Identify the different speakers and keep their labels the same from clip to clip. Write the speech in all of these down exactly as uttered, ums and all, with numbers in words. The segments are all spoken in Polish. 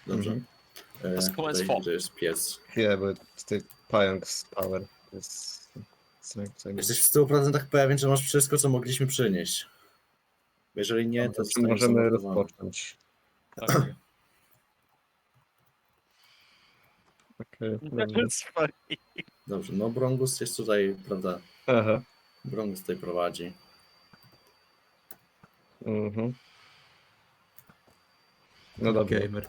Speaker 1: Dobrze.
Speaker 2: Mhm.
Speaker 1: E,
Speaker 3: To skład
Speaker 1: tutaj,
Speaker 3: fo.
Speaker 1: gdzie jest piec.
Speaker 2: Chwilę, bo tutaj pająk z power jest... co- co-
Speaker 1: Jesteś w stu procentach pewien, że masz wszystko, co mogliśmy przynieść. Jeżeli nie, to
Speaker 2: Czy
Speaker 1: zostaniesz
Speaker 2: możemy
Speaker 1: zamordowany.
Speaker 2: rozpocząć?
Speaker 3: Tak.
Speaker 2: Okej, dobrze.
Speaker 3: Sorry.
Speaker 1: Dobrze, no Brongus jest tutaj, prawda?
Speaker 2: Aha.
Speaker 1: Brongus tutaj prowadzi.
Speaker 2: Mhm. No dobrze.
Speaker 4: Gamer.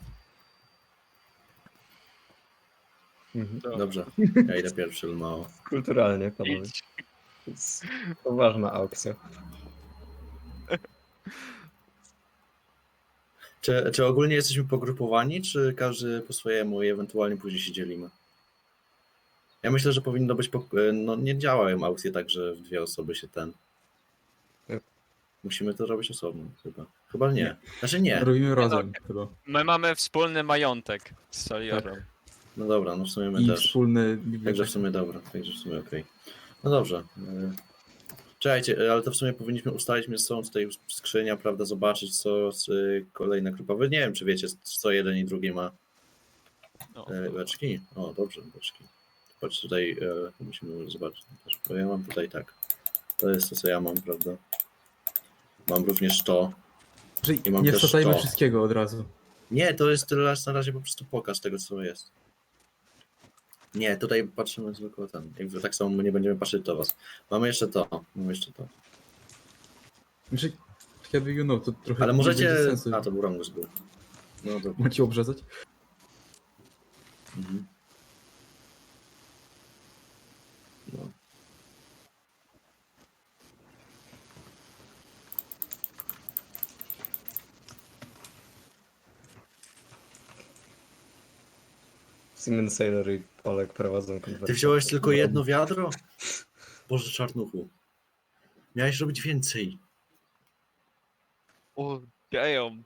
Speaker 2: Mhm.
Speaker 1: Dobrze, ja idę pierwszy, mało.
Speaker 2: Kulturalnie, panowie.
Speaker 3: Idź.
Speaker 2: To jest poważna aukcja.
Speaker 1: Czy, czy ogólnie jesteśmy pogrupowani, czy każdy po swojemu i ewentualnie później się dzielimy? Ja myślę, że powinno być, po, no nie działają aukcje tak, że w dwie osoby się ten... Musimy to robić osobno, chyba. Chyba nie. Znaczy nie.
Speaker 4: Robimy razem chyba.
Speaker 3: My mamy wspólny majątek z Saliorem.
Speaker 1: No dobra, no w sumie my
Speaker 4: I
Speaker 1: też.
Speaker 4: wspólny
Speaker 1: Także w
Speaker 4: biblioteki.
Speaker 1: sumie dobra, także w sumie okej. No dobrze. e, Czekajcie, ale to w sumie powinniśmy ustalić między sobą tutaj skrzynia, prawda, zobaczyć co z, y, kolejna grupa. Wy nie wiem, czy wiecie, co jeden i drugi ma
Speaker 3: No.
Speaker 1: e, beczki. O, dobrze, beczki. Patrz tutaj, e, musimy zobaczyć. Bo ja mam tutaj tak. To jest to, co ja mam, prawda. Mam również to.
Speaker 4: Że
Speaker 1: I mam
Speaker 4: nie
Speaker 1: też
Speaker 4: wsadzajmy
Speaker 1: to.
Speaker 4: wszystkiego od razu.
Speaker 1: Nie, to jest tyle raz na razie po prostu pokaz tego, co jest. Nie, tutaj patrzymy zwykle ten. Jakby tak samo my nie będziemy patrzeć do was. Mamy jeszcze to, mamy jeszcze to.
Speaker 4: Znaczy, kiedy you know, to trochę
Speaker 1: Ale
Speaker 4: nie
Speaker 1: możecie...
Speaker 4: będzie sensu.
Speaker 1: A, to był Rangus był. No dobra.
Speaker 4: Macie obrzezać?
Speaker 1: Mhm. No.
Speaker 2: Simon Sailor i Olek prowadzą
Speaker 1: Ty
Speaker 2: konwersację.
Speaker 1: wziąłeś tylko jedno wiadro? Boże, czarnuchu. Miałeś robić więcej.
Speaker 3: O, damn.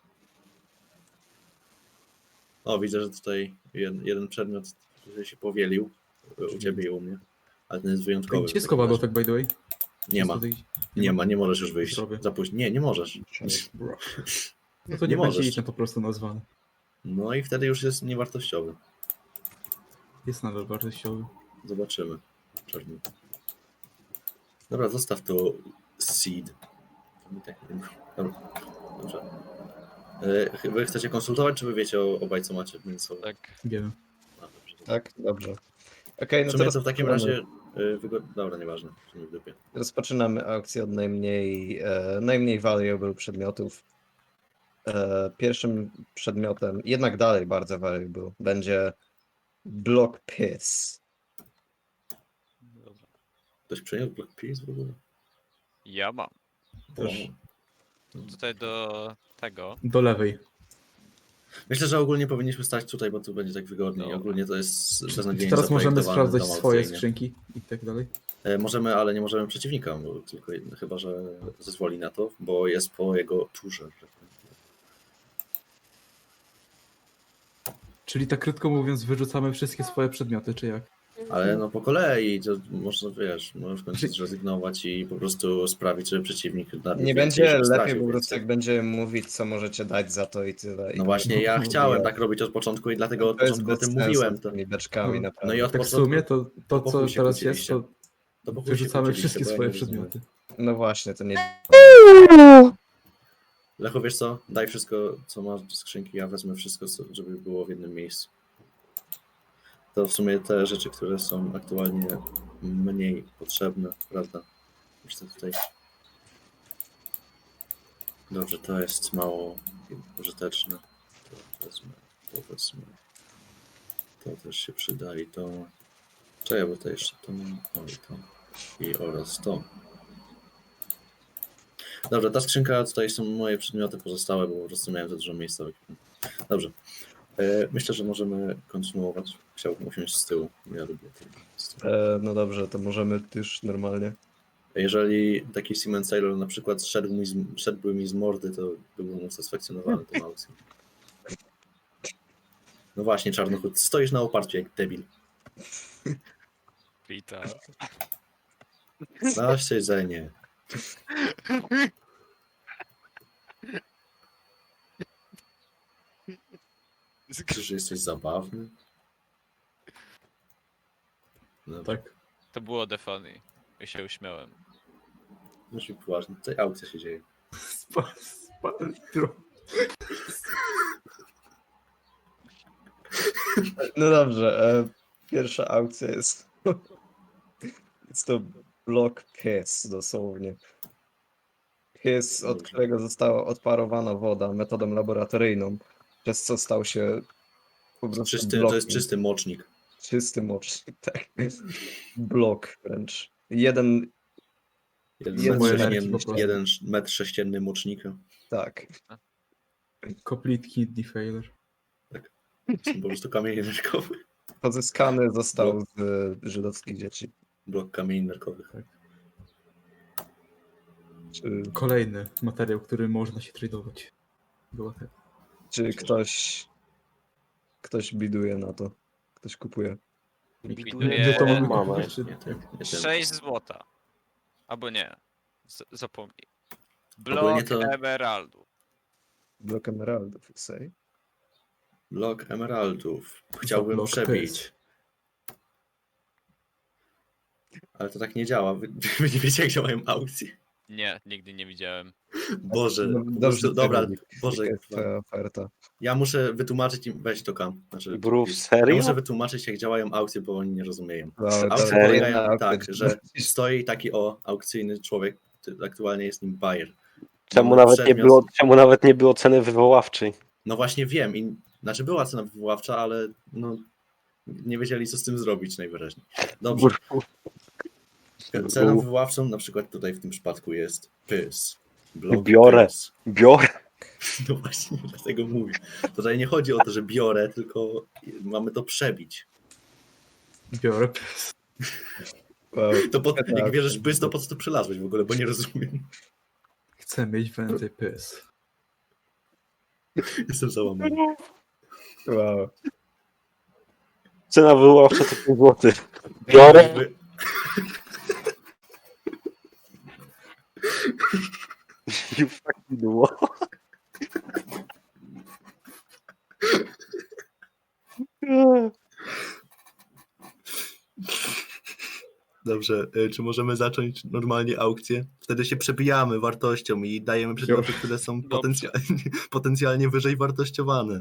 Speaker 1: O, widzę, że tutaj jeden, jeden przedmiot się powielił. U ciebie i u mnie. Ale ten jest wyjątkowy.
Speaker 4: Gdzie jest
Speaker 1: w takim razie.
Speaker 4: kowadło, tak by the way?
Speaker 1: Nie ma.
Speaker 4: Tutaj-
Speaker 1: Nie ma, nie możesz już wyjść.
Speaker 4: Zrobię.
Speaker 1: Za późno. Nie, nie możesz.
Speaker 4: Bro. No to nie,
Speaker 1: Nie
Speaker 4: będzie
Speaker 1: możesz.
Speaker 4: ich po prostu nazwany.
Speaker 1: No i wtedy już jest niewartościowy.
Speaker 4: Jest nadal wartościowy.
Speaker 1: Zobaczymy. Czarny. Dobra, zostaw to seed. Dobra, dobrze. E, Wy chcecie konsultować, czy wy wiecie o, obaj, co macie między sobą?
Speaker 3: Tak.
Speaker 4: Wiemy.
Speaker 1: A, dobrze.
Speaker 2: Tak, dobrze. Okej, no
Speaker 1: Czy
Speaker 2: to
Speaker 1: my to w takim
Speaker 2: rozpoczynamy.
Speaker 1: razie... y, Wygo... Dobra, nieważne. w sumie w dupie.
Speaker 2: Rozpoczynamy aukcję od najmniej, e, najmniej valuable przedmiotów. E, pierwszym przedmiotem, jednak dalej bardzo valuable, będzie Block Piss.
Speaker 3: Dobra.
Speaker 1: Ktoś przeniósł Block Peace w ogóle?
Speaker 3: Ja mam.
Speaker 4: Też.
Speaker 1: O.
Speaker 3: Tutaj do tego.
Speaker 4: Do lewej.
Speaker 1: Myślę, że ogólnie powinniśmy stać tutaj, bo tu będzie tak wygodniej.
Speaker 3: Dobra.
Speaker 1: Ogólnie to jest
Speaker 4: I
Speaker 1: beznadziejnie
Speaker 4: teraz możemy
Speaker 1: zaprojektowany
Speaker 4: sprawdzać
Speaker 1: dom
Speaker 4: swoje
Speaker 1: aukcyjny.
Speaker 4: skrzynki i tak dalej.
Speaker 1: E, Możemy, ale nie możemy przeciwnika, bo tylko jedno, chyba, że zezwoli na to, bo jest po jego turze.
Speaker 4: Czyli tak krótko mówiąc, wyrzucamy wszystkie swoje przedmioty, czy jak?
Speaker 1: Ale no po kolei, to można, wiesz, możesz w końcu
Speaker 4: Czy-
Speaker 1: zrezygnować i po prostu sprawić, żeby przeciwnik... na-
Speaker 2: Nie
Speaker 1: więcej,
Speaker 2: będzie
Speaker 1: żeby
Speaker 2: lepiej
Speaker 1: stracił
Speaker 2: po prostu,
Speaker 1: więcej.
Speaker 2: jak będziemy mówić, co możecie dać za to i tyle. I
Speaker 1: No właśnie, ja
Speaker 2: No,
Speaker 1: chciałem
Speaker 2: nie.
Speaker 1: tak robić od początku i dlatego od
Speaker 2: To jest
Speaker 1: początku o
Speaker 2: bez
Speaker 1: tym
Speaker 2: sensu
Speaker 1: mówiłem.
Speaker 2: z
Speaker 1: To,
Speaker 2: tymi beczkami,
Speaker 4: No.
Speaker 2: naprawdę.
Speaker 1: no i od
Speaker 4: Tak w
Speaker 1: początku...
Speaker 4: sumie to, to
Speaker 1: po
Speaker 4: co
Speaker 1: chuj się
Speaker 4: teraz jest,
Speaker 1: kłóciliście.
Speaker 4: to
Speaker 1: to po chuj się
Speaker 4: wyrzucamy
Speaker 1: kłóciliście,
Speaker 4: wszystkie
Speaker 1: bo ja
Speaker 4: swoje
Speaker 1: nie rozumiem.
Speaker 4: przedmioty.
Speaker 2: No właśnie, to nie...
Speaker 1: Lechu, wiesz co? Daj wszystko, co masz do skrzynki, ja wezmę wszystko, co- żeby było w jednym miejscu. To w sumie te rzeczy, które są aktualnie mniej potrzebne, prawda? Już to tutaj... Dobrze, to jest mało użyteczne. To wezmę, to wezmę. To też się przyda i to... Czekaj, bo to jeszcze to mam. O, i to. I oraz to. Dobrze, ta skrzynka, tutaj są moje przedmioty pozostałe, bo po prostu miałem za dużo miejsca. Dobrze. E, Myślę, że możemy kontynuować. Chciałbym usiąść z tyłu. Ja lubię to. z tyłu.
Speaker 2: E, no dobrze, to możemy już normalnie.
Speaker 1: Jeżeli taki Simon Sailor na przykład szedł mi z, szedłby mi z mordy, to byłbym usatysfakcjonowany tą aukcją. No właśnie, Czarnochód, stoisz na oparciu jak debil.
Speaker 3: Witam.
Speaker 1: Na siedzenie. Czyż jesteś zabawny? No,
Speaker 4: Tak.
Speaker 3: To było the funny. Ja się uśmiałem.
Speaker 1: Musi być poważny. Tutaj aukcja się dzieje.
Speaker 4: Spal, spal, tro-
Speaker 2: No dobrze, e, pierwsza aukcja jest. Jest to blok pies, dosłownie. Pies, od
Speaker 1: Dobrze.
Speaker 2: którego została odparowana woda metodą laboratoryjną, przez co stał się po prostu
Speaker 1: Czysty, to
Speaker 2: blokiem.
Speaker 1: jest czysty mocznik.
Speaker 2: Czysty mocznik, tak. Blok wręcz. Jeden,
Speaker 1: Jeden,
Speaker 2: Jeden
Speaker 1: metr,
Speaker 4: energii
Speaker 1: sześcienny,
Speaker 4: po prostu.
Speaker 1: jeden sz- metr sześcienny mocznika.
Speaker 2: tak.
Speaker 4: Complete kidney failure.
Speaker 1: Są po prostu kamienie nerkowe.
Speaker 2: Pozyskany został z e, żydowskich dzieci.
Speaker 1: Blok kamieni nerkowych.
Speaker 2: Czy,
Speaker 4: Kolejny materiał, który można się tradować. Było tak.
Speaker 2: czy ktoś, ktoś biduje na to? Ktoś kupuje?
Speaker 3: Widuję
Speaker 4: Gdzie to mamy
Speaker 1: Mamy.
Speaker 4: kupić, czy-
Speaker 1: Nie, tak, nie ten.
Speaker 3: sześć złota. Albo nie. Z zapomnij.
Speaker 1: Ogólnie
Speaker 3: Blok
Speaker 1: to-
Speaker 3: emeraldu.
Speaker 2: Blok emeraldów, say.
Speaker 1: Blok emeraldów. Chciałbym
Speaker 4: blok
Speaker 1: przebić. Ale to tak nie działa. Wy, wy nie wiecie, jak działają aukcje.
Speaker 3: Nie, nigdy nie widziałem.
Speaker 1: Boże,
Speaker 2: No,
Speaker 1: po
Speaker 2: dobrze,
Speaker 1: prostu, dobra,
Speaker 2: Cyril,
Speaker 1: Boże,
Speaker 2: jaka jest twoja oferta?
Speaker 1: ja muszę wytłumaczyć im, weź to kam. Znaczy,
Speaker 5: Brów,
Speaker 1: ja
Speaker 5: serio?
Speaker 1: muszę wytłumaczyć, jak działają aukcje, bo oni nie rozumieją.
Speaker 2: No,
Speaker 1: Aukcje
Speaker 2: dobra,
Speaker 1: polegają
Speaker 2: jedna
Speaker 1: tak,
Speaker 2: aukcja,
Speaker 1: że
Speaker 2: czy-
Speaker 1: stoi taki o aukcyjny człowiek, ty- aktualnie jest nim buyer.
Speaker 5: Czemu
Speaker 1: No,
Speaker 5: nawet, nie
Speaker 1: przedmiot-
Speaker 5: było, czemu nawet nie było ceny wywoławczej?
Speaker 1: No właśnie wiem, i, znaczy była cena wywoławcza, ale no, nie wiedzieli, co z tym zrobić najwyraźniej. Dobrze, ceną wywoławczą na przykład tutaj w tym przypadku jest pys. Blok
Speaker 5: Biorę.
Speaker 1: pys.
Speaker 5: Biorę.
Speaker 1: No właśnie, dlatego mówię. Tutaj nie chodzi o to, że biorę, tylko mamy to przebić.
Speaker 4: Biorę.
Speaker 2: Wow.
Speaker 1: To po,
Speaker 2: Tak.
Speaker 1: jak wierzysz pys, to po co to przylazłeś w ogóle, bo nie rozumiem.
Speaker 4: Chcę mieć więcej pys.
Speaker 1: Jestem załamany.
Speaker 2: Wow.
Speaker 5: Cena wywoławcza to pięć złotych. Biorę.
Speaker 1: Jakby-
Speaker 5: You fucking what?
Speaker 1: Dobrze, y, czy możemy zacząć normalnie aukcję? Wtedy się przebijamy wartością i dajemy przedmioty, które są potencjalnie, potencjalnie wyżej wartościowane.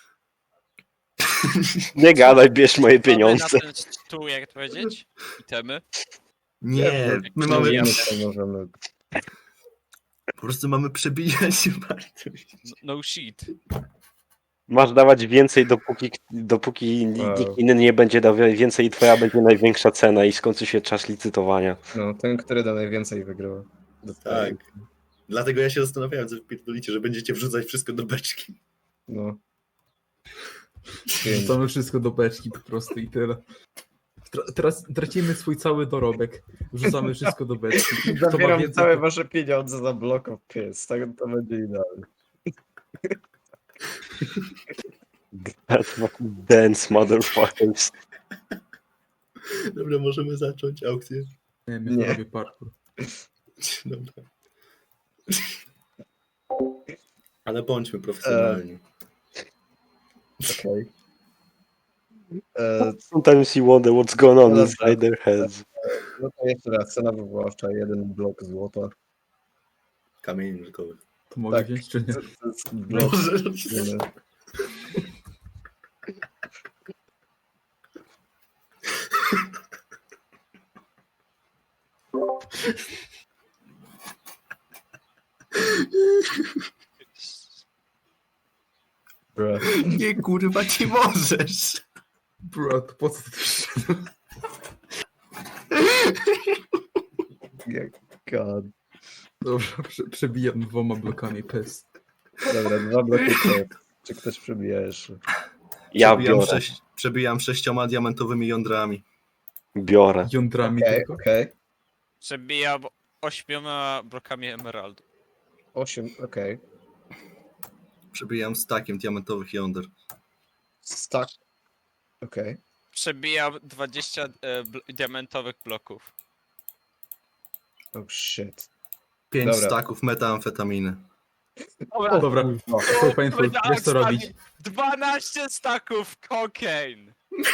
Speaker 5: Nie gadaj, bierz moje
Speaker 3: Mamy
Speaker 5: pieniądze.
Speaker 3: na ten stół, jak to powiedzieć? Itemy.
Speaker 1: Nie, my
Speaker 3: Nie,
Speaker 1: mamy,
Speaker 3: nie.
Speaker 2: Co możemy...
Speaker 1: po prostu mamy przebijać wartość.
Speaker 3: No, no shit.
Speaker 5: Masz dawać więcej, dopóki, dopóki
Speaker 2: Wow.
Speaker 5: nikt inny nie będzie dał więcej i twoja będzie największa cena i skończy się czas licytowania.
Speaker 2: No, ten, który da najwięcej wygrywa.
Speaker 1: Tak. Dlatego ja się zastanawiałem, co wpierdolicie, że będziecie wrzucać wszystko do beczki.
Speaker 2: No. Pięć.
Speaker 4: Wrzucamy wszystko do beczki po prostu i tyle. Tra- teraz tracimy swój cały dorobek. Wrzucamy wszystko do beczki. Kto ma
Speaker 2: Zabieram
Speaker 4: więcej,
Speaker 2: całe
Speaker 4: to-
Speaker 2: wasze pieniądze za blok of pies. Tak to będzie idealne.
Speaker 5: Dance, motherfuckers.
Speaker 1: Dobra, możemy zacząć aukcję.
Speaker 4: Nie,
Speaker 2: Nie.
Speaker 4: nie robię parkour.
Speaker 1: Dobra. Ale bądźmy profesjonalni.
Speaker 2: Okej. E,
Speaker 5: Sometimes you wonder what's going on
Speaker 2: No
Speaker 5: inside their heads.
Speaker 2: No to jeszcze raz, cena wywoławcza, jeden blok złota.
Speaker 1: Kamieni nerkowych.
Speaker 4: To mogę
Speaker 2: Tak.
Speaker 4: wziąć czy nie?
Speaker 2: To, to jest blok.
Speaker 1: Może.
Speaker 2: Nie. Bro.
Speaker 1: Nie, kurwa, nie możesz.
Speaker 4: Bro, to po co ty przyszedł?
Speaker 2: God.
Speaker 4: Dobra, prze, przebijam dwoma blokami pys.
Speaker 2: Dobra, dwa bloki to. Czy ktoś przebija jeszcze?
Speaker 5: Ja
Speaker 1: przebijam,
Speaker 5: biorę.
Speaker 1: sześć, przebijam sześcioma diamentowymi jądrami.
Speaker 5: Biorę.
Speaker 4: Jądrami
Speaker 2: Okej,
Speaker 4: tylko.
Speaker 2: okej.
Speaker 3: Przebijam ośmioma blokami emeraldu.
Speaker 2: Osiem, okej.
Speaker 1: Przebijam stakiem diamentowych jąder.
Speaker 2: Stack. Okej.
Speaker 3: Przebijam dwadzieścia e, bl- diamentowych bloków.
Speaker 2: Oh shit.
Speaker 1: Pięć
Speaker 2: Dobra.
Speaker 1: staków metamfetaminy.
Speaker 3: Dobra,
Speaker 4: Dobra,
Speaker 2: No.
Speaker 4: so painful,
Speaker 3: Dobra,
Speaker 4: wiesz co robić.
Speaker 3: dwanaście staków cocaine.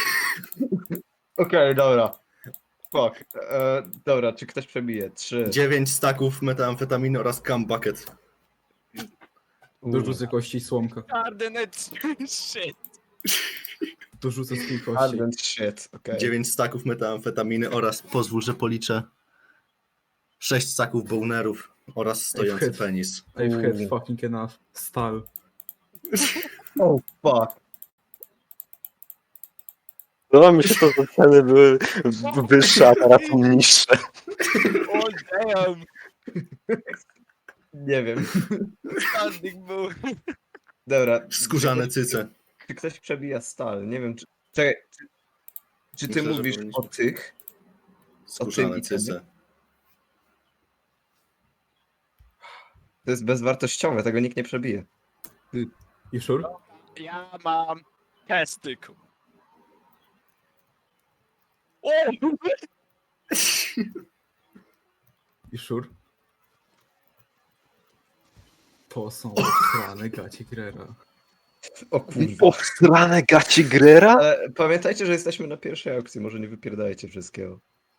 Speaker 2: Okej, dobra. Fuck. E, dobra, czy ktoś przebije? Trzy.
Speaker 1: dziewięć staków metamfetaminy oraz cam bucket.
Speaker 4: Dorzucę kości i słomka.
Speaker 3: Coordinate shit.
Speaker 4: Dorzucę swój kości.
Speaker 2: Ardent shit, okej.
Speaker 1: dziewięć staków metamfetaminy oraz, pozwól, że policzę, sześć staków bonerów oraz stojący
Speaker 4: Ej,
Speaker 1: penis.
Speaker 4: I've had
Speaker 2: Mm.
Speaker 4: fucking enough. Stal.
Speaker 2: Oh fuck.
Speaker 5: No mi się to, że ceny były wyższe, a teraz są niższe.
Speaker 3: Oh damn.
Speaker 2: Nie wiem.
Speaker 3: Standing był.
Speaker 2: Dobra.
Speaker 1: Skórzane
Speaker 2: czy ktoś-
Speaker 1: cyce.
Speaker 2: Czy ktoś przebija stal? Nie wiem, czy... Czekaj, czy, czy ty
Speaker 1: Myślę, że
Speaker 2: mówisz
Speaker 1: powinniśmy.
Speaker 2: o tych?
Speaker 1: Skórzane
Speaker 2: i ten?
Speaker 1: cyce.
Speaker 2: To jest bezwartościowe, tego nikt nie przebije.
Speaker 4: You sure?
Speaker 3: Ja mam testyku. O!
Speaker 4: You sure? To są strane gacie Grera.
Speaker 2: O kurwa.
Speaker 5: Obstrane gaci Grera?
Speaker 2: Ale pamiętajcie, że jesteśmy na pierwszej aukcji, może nie wypierdajcie wszystkiego.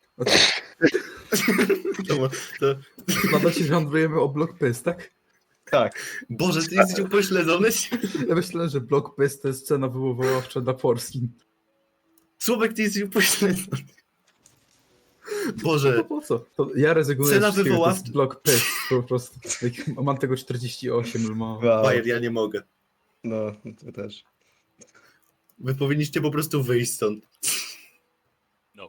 Speaker 1: To, to,
Speaker 4: Składa się, że handlujemy o Block Piss, tak?
Speaker 2: Tak.
Speaker 1: Boże, ty jesteś upośledzony?
Speaker 4: Ja myślę, że Block Piss to jest cena wywoławcza dla Polski.
Speaker 1: Słowek, ty jesteś upośledzony.
Speaker 4: No
Speaker 1: Boże,
Speaker 4: po co? To ja rezygnuję
Speaker 1: Cena
Speaker 4: z wszystkiego, to
Speaker 1: wywoławcza-
Speaker 4: jest Block Piss, po prostu. Jak mam tego czterdzieści osiem, ma.
Speaker 2: Wow.
Speaker 1: Bajer, ja nie mogę.
Speaker 2: No, to też.
Speaker 1: Wy powinniście po prostu wyjść stąd.
Speaker 3: No.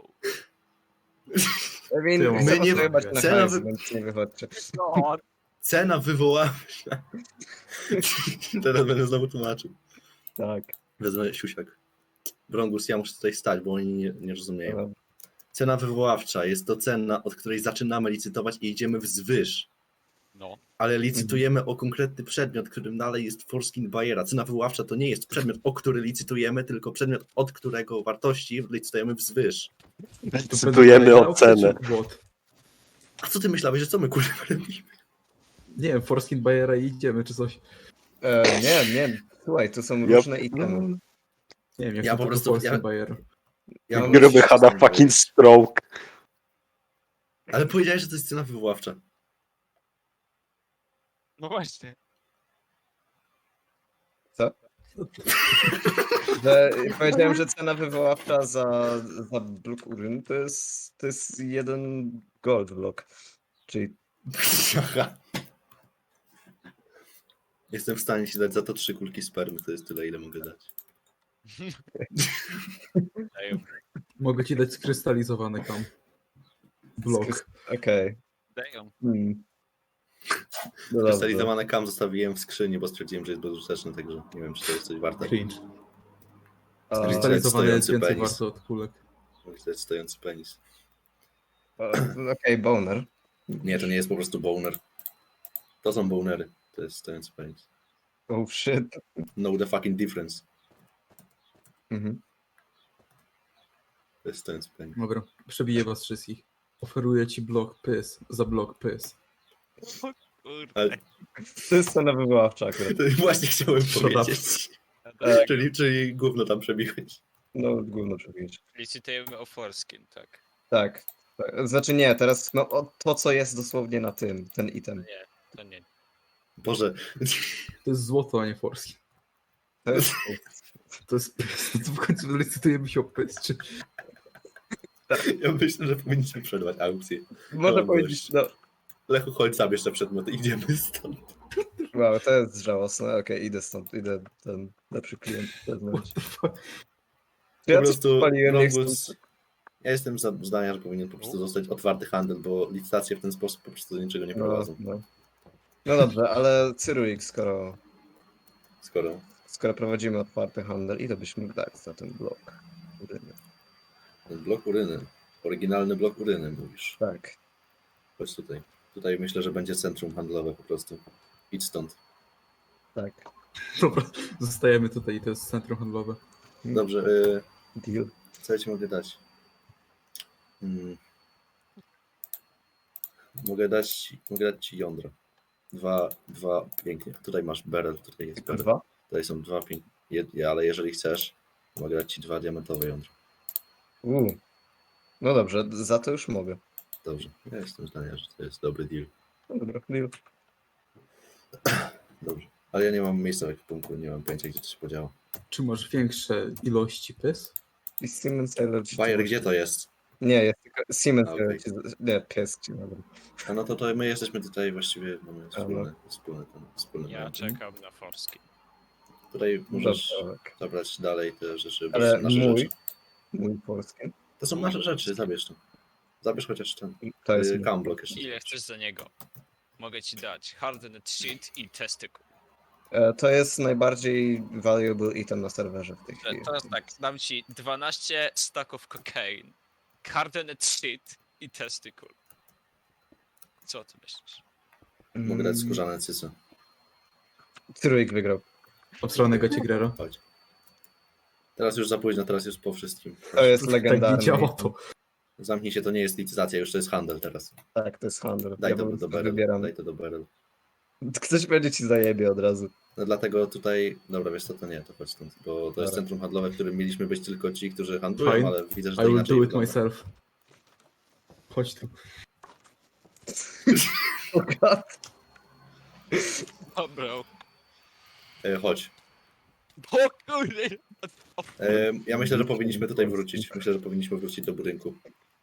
Speaker 2: I mean,
Speaker 4: Ty,
Speaker 2: chcę
Speaker 1: my nie-
Speaker 2: was wyjebać na
Speaker 1: cena
Speaker 2: hajs,
Speaker 1: wy-
Speaker 2: więc nie wychodźcie.
Speaker 3: No.
Speaker 1: Cena wywoławcza. Teraz będę znowu tłumaczył.
Speaker 2: Tak.
Speaker 1: Wezmę siusiak. Brągus, ja muszę tutaj stać, bo oni nie, nie rozumieją.
Speaker 2: No.
Speaker 1: Cena wywoławcza jest to cena, od której zaczynamy licytować i idziemy wzwyż.
Speaker 3: No.
Speaker 1: Ale licytujemy o konkretny przedmiot, którym dalej jest foreskin Bayera. Cena wywoławcza to nie jest przedmiot, o który licytujemy, tylko przedmiot, od którego wartości licytujemy wzwyż.
Speaker 5: Decydujemy o cenę.
Speaker 4: What?
Speaker 1: A co ty myślałeś, że co my kurwa robimy?
Speaker 4: Nie wiem, Forskin Bayera i idziemy, czy coś.
Speaker 2: E, nie, nie. Słuchaj, tu są
Speaker 5: Ja-
Speaker 2: różne itemy.
Speaker 4: Nie wiem, jak
Speaker 1: Ja
Speaker 4: to
Speaker 1: po
Speaker 4: po
Speaker 1: prostu-
Speaker 4: Forskin
Speaker 1: ja-
Speaker 4: Bayer.
Speaker 1: Ja mam
Speaker 5: Gruby hada fucking stroke.
Speaker 1: Ale powiedziałeś, że to jest cena wywoławcza.
Speaker 3: No właśnie.
Speaker 2: Co? Że, powiedziałem, że cena wywoławcza za, za blok uryny to jest, to jest jeden gold block. Czyli
Speaker 1: Aha. Jestem w stanie ci dać za to trzy kulki spermy, to jest tyle, ile mogę dać.
Speaker 3: Damn.
Speaker 4: Mogę ci dać skrystalizowany kam. Blok.
Speaker 2: okej.
Speaker 3: Damn.
Speaker 2: Hmm. No dobrze.
Speaker 1: Krystalizowane kam zostawiłem w skrzyni, bo stwierdziłem, że jest bezużyteczny, także nie wiem, czy to jest coś warte.
Speaker 4: Cringe.
Speaker 2: A,
Speaker 4: Skrystalizowany jest
Speaker 1: stojący
Speaker 4: więcej
Speaker 1: penis.
Speaker 4: warto od kulek.
Speaker 1: To jest stojący penis.
Speaker 2: a, Okej, boner.
Speaker 1: Nie, to nie jest po prostu boner. To są bonery. To jest stojący penis.
Speaker 2: Oh shit.
Speaker 1: Know the fucking difference.
Speaker 2: Mhm.
Speaker 1: To jest stojący penis.
Speaker 4: Dobra, przebiję was wszystkich. Oferuję ci blok Piss za blok Piss.
Speaker 3: Kurde.
Speaker 1: Ale
Speaker 2: To jest cena wywoławcza akurat.
Speaker 1: to właśnie chciałem
Speaker 4: Shut up.
Speaker 1: powiedzieć.
Speaker 2: Tak.
Speaker 1: Czyli, czyli gówno tam przebiłeś.
Speaker 2: No, gówno przebić.
Speaker 3: Licytujemy o foreskin, tak.
Speaker 2: Tak. tak. Znaczy nie, teraz no, o, to, co jest dosłownie na tym, ten item.
Speaker 3: To nie.
Speaker 1: Boże,
Speaker 4: To jest złoto, a nie Forskin.
Speaker 2: To jest...
Speaker 4: To jest Piss. To w końcu licytujemy się o Piss, czy...
Speaker 1: ja myślę, że powinniśmy przerwać aukcję.
Speaker 2: Można
Speaker 1: No,
Speaker 2: powiedzieć, no,
Speaker 1: Lechu, chodź sam jeszcze przedmiot i idziemy stąd.
Speaker 2: wow, to jest żałosne. Okej, idę stąd, idę ten lepszy klient zewnątrz.
Speaker 4: What the fuck?
Speaker 2: Ja
Speaker 1: Po
Speaker 2: coś
Speaker 1: prostu
Speaker 2: spaliłem, nie chcę.
Speaker 1: Longus, ja jestem za- zdania, że powinien po prostu zostać otwarty handel, bo licytacje w ten sposób po prostu do niczego nie
Speaker 2: No,
Speaker 1: prowadzą.
Speaker 2: no. no dobrze, ale Cyruik, skoro,
Speaker 1: Skoro
Speaker 2: skoro prowadzimy otwarty handel, ile byś mógł dać za ten blok? Uryny?
Speaker 1: ten blok uryny, oryginalny blok uryny mówisz,
Speaker 2: Tak.
Speaker 1: chodź tutaj. Tutaj myślę, że będzie centrum handlowe po prostu. Idź stąd.
Speaker 2: Tak.
Speaker 4: Dobra, zostajemy tutaj i to jest centrum handlowe.
Speaker 1: Dobrze, y,
Speaker 2: Deal.
Speaker 1: co ja ci mogę dać? Hmm. Mogę dać, mogę dać ci jądro. Dwa, dwa, pięknie. Tutaj masz barrel, tutaj jest
Speaker 2: Tylko
Speaker 1: barrel.
Speaker 2: dwa?
Speaker 1: Tutaj są dwa pięknie. Jed- ale jeżeli chcesz, mogę dać ci dwa diamentowe jądra.
Speaker 2: Uuu. No dobrze, za to już mogę.
Speaker 1: Dobrze. Ja jestem zdania, że to jest dobry deal.
Speaker 2: No dobra, deal.
Speaker 1: Dobrze. Ale ja nie mam miejsca w ekwipunku, nie mam pojęcia, gdzie to się podziało.
Speaker 4: Czy masz większe ilości pys?
Speaker 2: I Siemens Energy.
Speaker 1: Bayer, gdzie to jest?
Speaker 2: Nie, jest tylko Siemens
Speaker 1: A, okej.
Speaker 2: Energy. Nie, pies ci dobra.
Speaker 1: A no to, to my jesteśmy tutaj właściwie, mamy
Speaker 2: no.
Speaker 1: wspólne, wspólne, ten, wspólne
Speaker 3: Ja
Speaker 1: mianowy.
Speaker 3: czekam na Forski.
Speaker 1: Tutaj możesz
Speaker 2: Dobra, tak.
Speaker 1: zabrać dalej te rzeczy, bo
Speaker 2: Ale
Speaker 1: to są nasze
Speaker 2: mój,
Speaker 1: rzeczy.
Speaker 2: mój polski.
Speaker 1: To są nasze rzeczy, zabierz to. Zabierz chociaż ten
Speaker 2: To jest
Speaker 1: y,
Speaker 2: mój.
Speaker 1: cam block jeszcze.
Speaker 3: Ile chcesz za niego? Mogę ci dać Hardened Sheet i Testicle.
Speaker 2: E, To jest najbardziej valuable item na serwerze w tej
Speaker 3: E,
Speaker 2: chwili.
Speaker 3: Teraz tak, dam ci dwanaście stacków cocaine, Hardened Sheet i Testicle. Co ty myślisz?
Speaker 1: Mogę dać
Speaker 2: Mm,
Speaker 1: skórzane cyce.
Speaker 2: Trójk wygrał.
Speaker 4: Obsranego Cigrera.
Speaker 1: Chodź. Teraz już za późno, teraz już po wszystkim.
Speaker 2: To jest
Speaker 4: Tak nie
Speaker 2: legendarny.
Speaker 4: działa
Speaker 2: item.
Speaker 4: to.
Speaker 1: Zamknij się, to nie jest licytacja, już to jest handel teraz.
Speaker 2: Tak, to jest handel.
Speaker 1: Daj
Speaker 2: ja
Speaker 1: to
Speaker 2: po
Speaker 1: do
Speaker 2: prostu
Speaker 1: Beryl.
Speaker 2: wybieram.
Speaker 1: Daj to do Beryl.
Speaker 2: Ktoś będzie ci zajebie od razu.
Speaker 1: No dlatego tutaj, dobra, wiesz co, to nie, to chodź stąd, bo to jest
Speaker 2: Dobra.
Speaker 1: centrum handlowe, w którym mieliśmy być tylko ci, którzy handlują,
Speaker 4: Fine.
Speaker 1: ale widzę, że
Speaker 4: I
Speaker 1: to
Speaker 4: will
Speaker 1: inaczej
Speaker 4: do it
Speaker 1: wygląda.
Speaker 4: myself. Chodź tu.
Speaker 3: Dobra.
Speaker 1: E, chodź.
Speaker 3: O kurde!
Speaker 1: E, ja myślę, że powinniśmy tutaj wrócić. Myślę, że powinniśmy wrócić do budynku.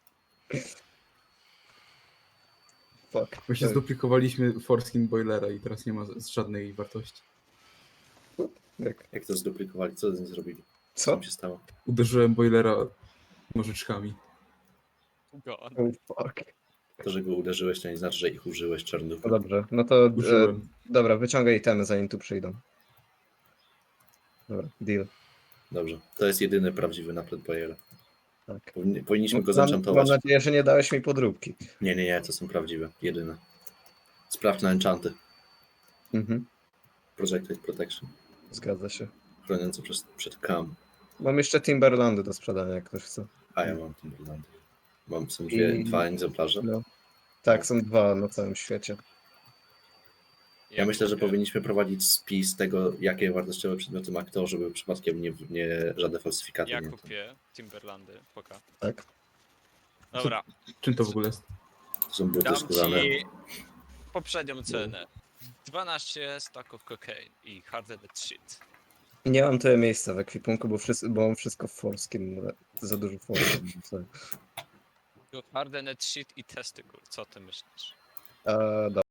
Speaker 2: Fuck.
Speaker 4: My się zduplikowaliśmy Forskin Boilera i teraz nie ma z- z żadnej wartości.
Speaker 2: Jak-
Speaker 1: Jak to zduplikowali? Co z nim zrobili? Co
Speaker 2: Co?
Speaker 1: tam się stało?
Speaker 4: Uderzyłem Boilera nożyczkami.
Speaker 3: God.
Speaker 2: Oh, fuck.
Speaker 1: To, że go uderzyłeś, to nie znaczy, że ich użyłeś czarnów.
Speaker 2: No dobrze, no to e,
Speaker 4: Użyłem.
Speaker 2: dobra, wyciągaj itemy zanim tu przyjdą. Dobra, deal.
Speaker 1: Dobrze. To jest jedyny prawdziwy napęd Bayera.
Speaker 2: Tak.
Speaker 1: Powinni- Powinniśmy go
Speaker 2: Mam, mam
Speaker 1: zenchantować.
Speaker 2: nadzieję, że nie dałeś mi podróbki.
Speaker 1: Nie, nie, nie, to są prawdziwe. Jedyne. Sprawdź na enchanty.
Speaker 2: Mhm,
Speaker 1: Projected Protection.
Speaker 2: zgadza się.
Speaker 1: Chroniące przez, przed cam.
Speaker 2: Mam jeszcze Timberlandy do sprzedania, jak ktoś chce.
Speaker 1: A ja mam Timberlandy. Mam, są dwie,
Speaker 2: I-
Speaker 1: dwa egzemplarze.
Speaker 2: No. Tak, są dwa na całym świecie.
Speaker 1: Ja myślę, że
Speaker 3: kupię.
Speaker 1: powinniśmy prowadzić spis tego, jakie wartościowe przedmioty ma kto, żeby przypadkiem nie, nie żadne falsyfikaty
Speaker 3: Ja
Speaker 1: nie.
Speaker 3: kupię Timberlandy, poka.
Speaker 2: Tak.
Speaker 3: Dobra,
Speaker 4: Czym to w ogóle jest?
Speaker 1: To są buty
Speaker 3: dam
Speaker 1: skórzane.
Speaker 3: ci poprzednią cenę. dwanaście stacków cocaine i Hardened Sheet.
Speaker 2: Nie mam tyle miejsca w ekwipunku, bo, wszyscy, bo mam wszystko w Forskin. ale Za dużo Forskin. sorry.
Speaker 3: Hardened Sheet i Testicle. Co ty myślisz?
Speaker 2: E, dobra.